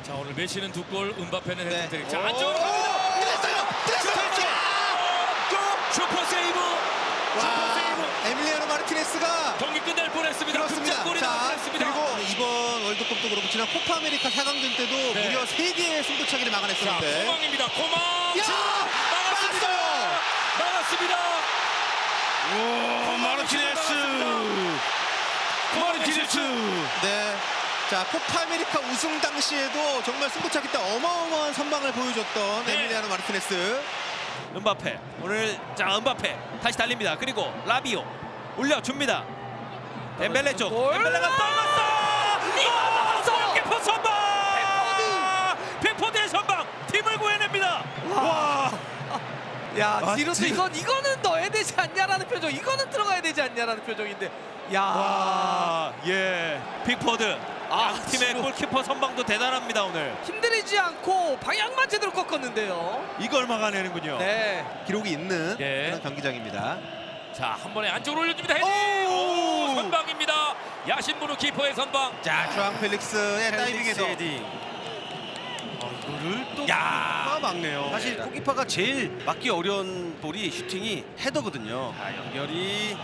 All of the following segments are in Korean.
자 오늘 메시는 2골, 은바페는 네. 헤트트릭. 자 안쪽으로 갑니다. 들었어요. 슈퍼 세이브. 슈퍼 세이브. 에밀리아노 마르티네스가 경기 끝날 뻔했습니다. 그렇습니다. 극장골이 나올 자, 뻔했습니다. 그리고 이번 월드컵도 그렇고 지난 코파 아메리카 4강전 때도 네. 무려 3개의 승부차기를 자 막아냈었는데. 코망입니다. 코망. 야! 막았습니다. 막았어요. 막았습니다. 오, 마르티네스. 네. 자, 코파 아메리카 우승 당시에도 정말 승부차기 때 어마어마한 선방을 보여줬던 네. 에밀리아노 마르티네스. 은바페 오늘 자 은바페 다시 달립니다. 그리고 라비오 올려줍니다. 엠벨레 쪽 엠벨레가 떨궜어. 키퍼 선방. 빅포드의 선방 팀을 구해냅니다. 와. 야, 디로스 지- 이거는 넣어야 되지 않냐라는 표정. 이거는 들어가야 되지 않냐라는 표정인데. 야. 와, 예. 빅포드. 팀의 지금 골키퍼 선방도 대단합니다 오늘. 힘들이지 않고 방향만 제대로 꺾었는데요. 이걸 막아내는군요. 네. 기록이 있는 예. 그런 경기장입니다. 자 한 번에 안쪽으로 올려줍니다. 헤딩. 오, 선방입니다. 야신부르 키퍼의 선방. 자, 주앙 펠릭스의 다이빙에서 이거를 또 야, 막네요. 사실 골키퍼가 제일 막기 어려운 볼이 슈팅이 헤더거든요. 자, 연결이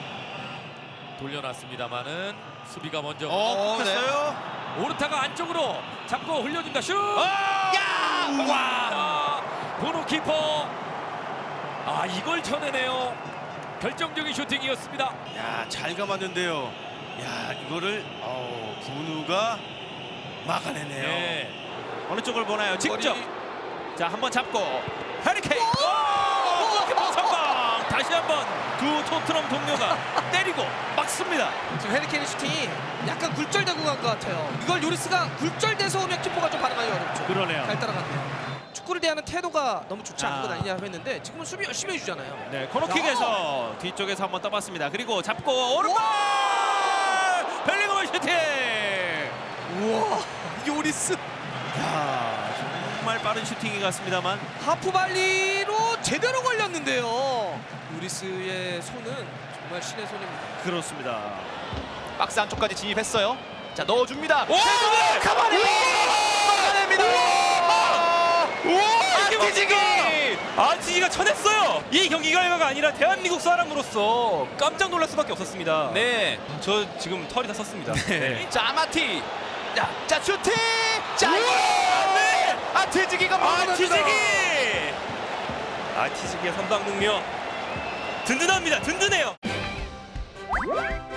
돌려놨습니다만은 수비가 먼저. 됐어요. 오르타가 안쪽으로 잡고 흘려준다. 슛. 야! 와. 보노 키퍼. 아 이걸 쳐내네요. 결정적인 슈팅이었습니다. 야, 잘 감았는데요. 야, 이거를 분우가 막아내네요. 네. 어느 쪽을 보나요? 직접. 머리. 자, 한번 잡고 해리케인. 골키퍼 선방. 다시 한번 두 토트넘 동료가 때리고 막습니다. 지금 해리케인 슈팅이 약간 굴절되고 간 것 같아요. 이걸 요리스가 굴절돼서 오면 키퍼가 좀 반응하기 어렵죠. 그러네요. 잘 따라갔네요. 축구를 대하는 태도가 너무 좋지 않은 것 아. 아니냐고 했는데 지금은 수비 열심히 해주잖아요. 네, 코너킥에서 뒤쪽에서 한번 떠봤습니다. 그리고 잡고 오른발 벨링엄 슈팅. 우와, 요리스 야, 정말 빠른 슈팅이 같습니다만 하프발리로 제대로 걸렸는데요. 요리스의 손은 정말 신의 손입니다. 그렇습니다. 박스 안쪽까지 진입했어요. 자 넣어줍니다. 오! 가만히 막아냅니다. 안티지기! 안티지가 쳐냈어요. 이 경기 결과가 아니라 대한민국 사람으로서 깜짝 놀랄 수밖에 없었습니다. 네. 저 지금 털이 다 썼습니다. 네. 자 아마티. 자 슈팅. 자 네! 아트지기가 안티지기! 안티지기의 선방 능력 든든합니다. 든든해요.